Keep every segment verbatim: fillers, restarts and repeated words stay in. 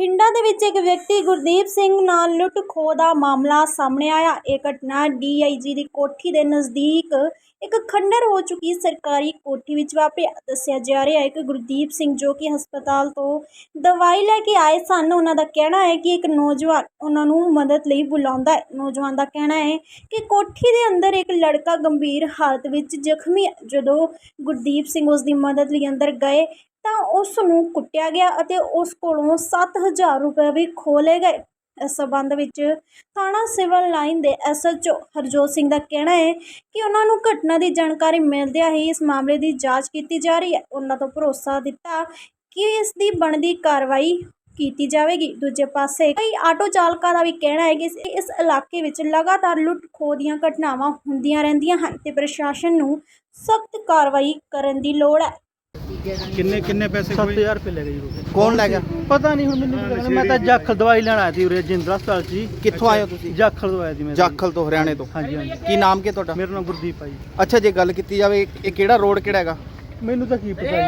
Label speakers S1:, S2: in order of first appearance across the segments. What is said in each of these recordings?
S1: ਬਠਿੰਡਾ ਦੇ ਵਿੱਚ ਇੱਕ ਵਿਅਕਤੀ ਗੁਰਦੀਪ ਸਿੰਘ ਨਾਲ ਲੁੱਟ ਖੋਹ ਦਾ ਮਾਮਲਾ ਸਾਹਮਣੇ ਆਇਆ। ਇਹ ਘਟਨਾ ਡੀ ਆਈ ਜੀ ਦੀ ਕੋਠੀ ਦੇ ਨਜ਼ਦੀਕ ਇੱਕ ਖੰਡਰ ਹੋ ਚੁੱਕੀ ਸਰਕਾਰੀ ਕੋਠੀ ਵਿੱਚ ਵਾਪਰੀ। ਦੱਸਿਆ ਜਾ ਰਿਹਾ ਹੈ ਕਿ ਗੁਰਦੀਪ ਸਿੰਘ ਜੋ ਕਿ ਹਸਪਤਾਲ ਤੋਂ ਦਵਾਈ ਲੈ ਕੇ ਆਏ ਸਨ, ਉਹਨਾਂ ਦਾ ਕਹਿਣਾ ਹੈ ਕਿ ਇੱਕ ਨੌਜਵਾਨ ਉਹਨਾਂ ਨੂੰ ਮਦਦ ਲਈ ਬੁਲਾਉਂਦਾ ਹੈ। ਨੌਜਵਾਨ ਦਾ ਕਹਿਣਾ ਹੈ ਕਿ ਕੋਠੀ ਦੇ ਅੰਦਰ ਇੱਕ ਲੜਕਾ ਗੰਭੀਰ ਹਾਲਤ ਵਿੱਚ ਜ਼ਖਮੀ ਹੈ। ਜਦੋਂ ਗੁਰਦੀਪ ਸਿੰਘ ਉਸ ਦੀ ਮਦਦ ਲਈ ਅੰਦਰ ਗਏ ਤਾਂ ਉਸ ਨੂੰ ਕੁੱਟਿਆ ਗਿਆ ਅਤੇ ਉਸ ਕੋਲੋਂ ਸੱਤ ਹਜ਼ਾਰ ਰੁਪਏ ਵੀ ਖੋਹ ਲਏ ਗਏ। ਇਸ ਸਬੰਧ ਵਿੱਚ ਥਾਣਾ ਸਿਵਲ ਲਾਈਨ ਦੇ S H O Harjot Singh ਦਾ ਕਹਿਣਾ ਹੈ ਕਿ ਉਹਨਾਂ ਨੂੰ ਘਟਨਾ ਦੀ ਜਾਣਕਾਰੀ ਮਿਲਦਿਆਂ ਹੀ ਇਸ ਮਾਮਲੇ ਦੀ ਜਾਂਚ ਕੀਤੀ ਜਾ ਰਹੀ ਹੈ। ਉਹਨਾਂ ਤੋਂ ਭਰੋਸਾ ਦਿੱਤਾ ਕਿ ਇਸ ਦੀ ਬਣਦੀ ਕਾਰਵਾਈ ਕੀਤੀ ਜਾਵੇਗੀ। ਦੂਜੇ ਪਾਸੇ ਕਈ ਆਟੋ ਚਾਲਕਾਂ ਦਾ ਵੀ ਕਹਿਣਾ ਹੈ ਕਿ ਇਸ ਇਲਾਕੇ ਵਿੱਚ ਲਗਾਤਾਰ ਲੁੱਟ ਖੋਹ ਦੀਆਂ ਘਟਨਾਵਾਂ ਹੁੰਦੀਆਂ ਰਹਿੰਦੀਆਂ ਹਨ ਤੇ ਪ੍ਰਸ਼ਾਸਨ ਨੂੰ ਸਖਤ ਕਾਰਵਾਈ ਕਰਨ ਦੀ ਲੋੜ ਹੈ।
S2: किन्ने किन्ने पैसे
S3: सत्त हज़ार रुपये ले गए।
S2: कौन ले गया?
S3: पता नहीं हुण मैनूं पता नहीं, मैं तो जाखल दवाई लैण आया थी उरे जिंदल हस्पताल जी।
S2: कित्थों आए हो तुसीं?
S3: जाखल तो आया थी मैं।
S2: जाखल तो हरियाणे तो?
S3: हाँ जी हाँ जी।
S2: की नाम के तुहाडा?
S3: मेरा नाम गुरदीप है जी।
S2: अच्छा जे गल कीती जावे ये किहड़ा रोड किहड़ा हैगा?
S3: मैनूं तां की पता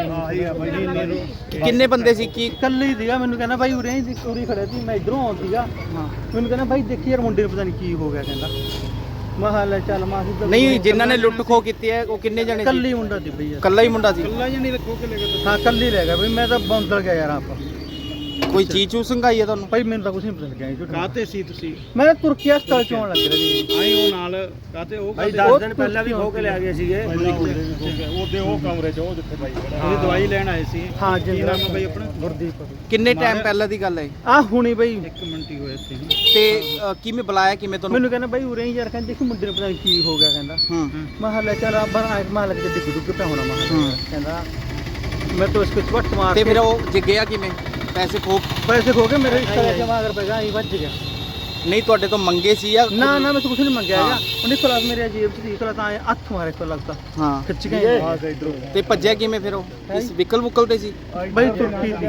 S3: जी।
S2: किन्ने बंदे सी की?
S3: कल्ले ही सीगा। मैनूं कहना भाई उरे ही उरे खड़े सी, मैं इधरों आउं सीगा।
S2: हाँ
S3: मैनूं कहना भाई देखी यार मुंडे नूं पता नहीं की हो गया। कहंदा मैं हाल चल मां
S2: नहीं जिन्हां ने लुੱਟ ਖੋਹ ਕੀਤੀ है वो किन्ने जने?
S3: कल्ले ही मुंडा सी भैया।
S2: कल्ला ही मुंडा सी?
S3: कल्ला ही नहीं रखो के ले गए। हां कल्ले ही रह गया भाई। मैं तो बंदल गया यार आप
S2: कोई चीज चूज संघाई है ਤੁਹਾਨੂੰ?
S3: भाई मैनूं तो कुछ नहीं पता लगा।
S4: ਕਾਤੇ ਸੀ ਤੁਸੀਂ?
S3: मैं तुर्की हस्पताल चों लग रहा जी।
S4: ਆਏ ਉਹ ਨਾਲ ਕਾਤੇ ਉਹ
S3: ਭਾਈ
S4: ਕਾਤੇ
S3: ਦਸ ਦਿਨ ਪਹਿਲਾਂ ਵੀ ਖੋ ਕੇ ਲੈ ਗਏ ਸੀਗੇ।
S4: ਉਹਦੇ ਉਹ ਕਮਰੇ 'ਚ ਉਹ ਜਿੱਥੇ ਭਾਈ ਖੜਾ ਤੁਸੀਂ ਦਵਾਈ ਲੈਣ ਆਏ ਸੀ?
S3: ਹਾਂ
S4: ਕੀ
S3: ਜੀ।
S4: ਨਾਮ ਹੈ ਭਾਈ ਆਪਣਾ?
S3: ਗੁਰਦੀਪ
S2: ਕਿੰਨੇ ਟਾਈਮ ਪਹਿਲਾਂ ਦੀ ਗੱਲ ਹੈ
S3: ਆ ਹੁਣੀ ਬਈ।
S4: ਇੱਕ ਮਿੰਟ ਹੀ ਹੋਇਆ ਇੱਥੇ
S2: ਤੇ ਅ, ਕਿਵੇਂ ਬੁਲਾਇਆ ਕਿਵੇਂ ਤੁਹਾਨੂੰ?
S3: ਮੈਨੂੰ ਕਹਿੰਦਾ ਬਾਈ ਉਰੇ ਹੀ ਯਾਰ, ਕਹਿੰਦੇ ਦੇਖੀ ਮੁੰਡੇ ਨੂੰ ਪਤਾ ਨਹੀਂ ਕੀ ਹੋ ਗਿਆ। ਕਹਿੰਦਾ
S2: ਹੂੰ
S3: ਮੈਂ ਕਿਹਾ ਲੈ ਚੱਲ ਆਪਾਂ ਆਇਤ ਮਾਰ ਲੱਗ ਤੇ ਡਿੱਗ ਡੁੱਗ ਪਿਆ ਹੋਣਾ। ਮੈਂ ਕਿਹਾ ਕਹਿੰਦਾ ਮੈਂ ਤਾਂ ਇਸਕੋ ਚਵੱਟ ਮਾਰ
S2: ਤੇ ਫਿਰ ਉਹ ਜੇ ਗਿਆ ਕਿਵੇਂ? ਪੈਸੇ ਖੋ
S3: ਪੈਸੇ ਖੋ ਕੇ ਮੇਰੇ ਰਿਸ਼ਤੇ ਲੈ ਕੇ ਮਾਗਰ ਪੈ ਗਿਆ। ਹੀ ਵੱਜ ਗਿਆ।
S2: ਨਹੀਂ ਤੁਹਾਡੇ ਤੋਂ ਮੰਗੇ ਸੀ ਜਾਂ?
S3: ਨਾ ਨਾ ਮੈਂ ਤਾਂ ਕੁਝ ਨਹੀਂ ਮੰਗਿਆ ਹੈਗਾ। ਉਹਨੇ ਕੋਲ ਮੇਰੇ ਜੇਬ 'ਚ ਸੀ, ਕੋਲ ਤਾਂ ਹੱਥ ਮਾਰੇ ਕੋਲ ਲੱਗਦਾ
S2: ਹਾਂ
S3: ਖਿੱਚ ਗਏ ਆ ਇਧਰੋਂ।
S2: ਤੇ ਭੱਜਿਆ ਕਿਵੇਂ ਫਿਰ ਉਹ? ਇਸ ਵਿਕਲ ਵੁਕਲ ਤੇ ਸੀ?
S3: ਬਾਈ ਤੁਰਕੀ ਸੀ।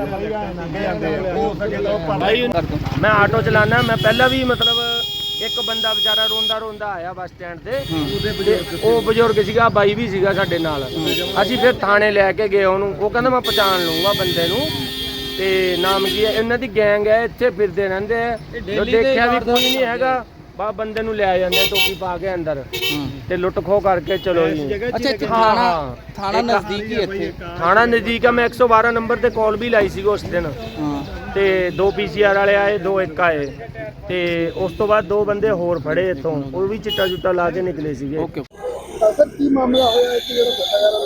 S5: मैं आटो चलाना। मैं पहला भी मतलब एक बंदा बेचारा रोंदा रोंदा आया बस स्टैंड ਤੇ ਉਹ ਬਜ਼ੁਰਗ ਸੀਗਾ, ਬਾਈ ਵੀ ਸੀਗਾ ਸਾਡੇ ਨਾਲ। ਅਸੀਂ ਫਿਰ ਥਾਣੇ ਲੈ ਕੇ ਗਏ ਉਹਨੂੰ। ਉਹ ਕਹਿੰਦਾ ਮੈਂ ਪਛਾਣ ਲੂੰਗਾ ਬੰਦੇ ਨੂੰ ਤੇ ਨਾਮ ਕੀ ਹੈ ਇਹਨਾਂ ਦੀ ਗੈਂਗ ਹੈ, ਇੱਥੇ ਫਿਰਦੇ ਰਹਿੰਦੇ ਆ। ਜੋ ਦੇਖਿਆ ਵੀ ਕੋਈ ਨਹੀਂ ਹੈਗਾ, ਬਾ ਬੰਦੇ ਨੂੰ ਲੈ ਜਾਂਦੇ ਟੋਪੀ ਪਾ ਕੇ ਅੰਦਰ ਤੇ ਲੁੱਟ ਖੋਹ ਕਰਕੇ ਚਲੋ ਜੀ।
S2: ਅੱਛਾ ਇੱਥੇ
S5: ਹਾਂ
S2: ਥਾਣਾ
S5: ਹਾਂ
S2: ਥਾਣਾ ਨਜ਼ਦੀਕ ਹੀ ਇੱਥੇ?
S5: ਥਾਣਾ ਨਜ਼ਦੀਕ ਆ। ਮੈਂ ਇੱਕ ਸੌ ਬਾਰਾਂ ਨੰਬਰ ਤੇ ਕਾਲ ਵੀ ਲਾਈ ਸੀ ਉਸ ਦਿਨ
S2: ਹਾਂ
S5: ਤੇ ਦੋ ਪੀ ਸੀ ਆਰ ਵਾਲੇ ਆਏ, ਦੋ ਇੱਕ ਆਏ ਤੇ ਉਸ ਤੋਂ ਬਾਅਦ ਦੋ ਬੰਦੇ ਹੋਰ ਫੜੇ ਇੱਥੋਂ, ਉਹ ਵੀ ਚਿੱਟਾ ਚੁੱਟਾ ਲਾ ਕੇ ਨਿਕਲੇ ਸੀਗੇ।
S2: ਓਕੇ
S3: ਸਰ ਕੀ ਮਾਮਲਾ ਹੋਇਆ ਹੈ ਕਿ ਜਿਹੜਾ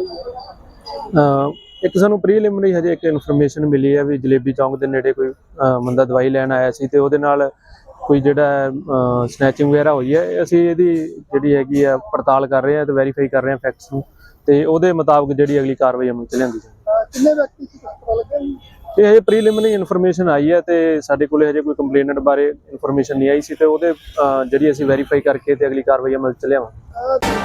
S3: ਇੱਕ ਸਾਨੂੰ ਪ੍ਰੀਲਿਮਿਨਰੀ ਹਜੇ ਇੱਕ ਇਨਫੋਰਮੇਸ਼ਨ ਮਿਲੀ ਹੈ ਵੀ ਜਲੇਬੀ ਚੌਂਕ ਦੇ ਨੇੜੇ ਕੋਈ ਬੰਦਾ ਦਵਾਈ ਲੈਣ ਆਇਆ ਸੀ ਤੇ ਉਹਦੇ ਨਾਲ ਕੋਈ ਜਿਹੜਾ ਸਨੈਚਿੰਗ ਵਗੈਰਾ ਹੋਈ ਹੈ। ਅਸੀਂ ਇਹਦੀ ਜਿਹੜੀ ਹੈਗੀ ਆ ਪੜਤਾਲ ਕਰ ਰਹੇ ਹਾਂ ਤੇ ਵੈਰੀਫਾਈ ਕਰ ਰਹੇ ਹਾਂ ਫੈਕਟਸ ਨੂੰ ਤੇ ਉਹਦੇ ਮੁਤਾਬਕ ਜਿਹੜੀ ਅਗਲੀ ਕਾਰਵਾਈ ਅਮਲ ਚ ਲਿਆਂਦੀ ਜਾਵੇ। ਕਿੰਨੇ ਵਿਅਕਤੀ ਸੀ ਪਤਾ ਲੱਗਿਆ ਜੀ? ਇਹ ਹਜੇ ਪ੍ਰੀਲਿਮਿਨਰੀ ਇਨਫੋਰਮੇਸ਼ਨ ਆਈ ਹੈ ਤੇ ਸਾਡੇ ਕੋਲੇ ਹਜੇ ਕੋਈ ਕੰਪਲੇਨੈਂਟ ਬਾਰੇ ਇਨਫੋਰਮੇਸ਼ਨ ਨਹੀਂ ਆਈ ਸੀ ਤੇ ਉਹਦੇ ਜਿਹੜੀ ਅਸੀਂ ਵੈਰੀਫਾਈ ਕਰਕੇ ਤੇ ਅਗਲੀ ਕਾਰਵਾਈ ਅਮਲ ਚ ਲਿਆਵਾਂਗੇ।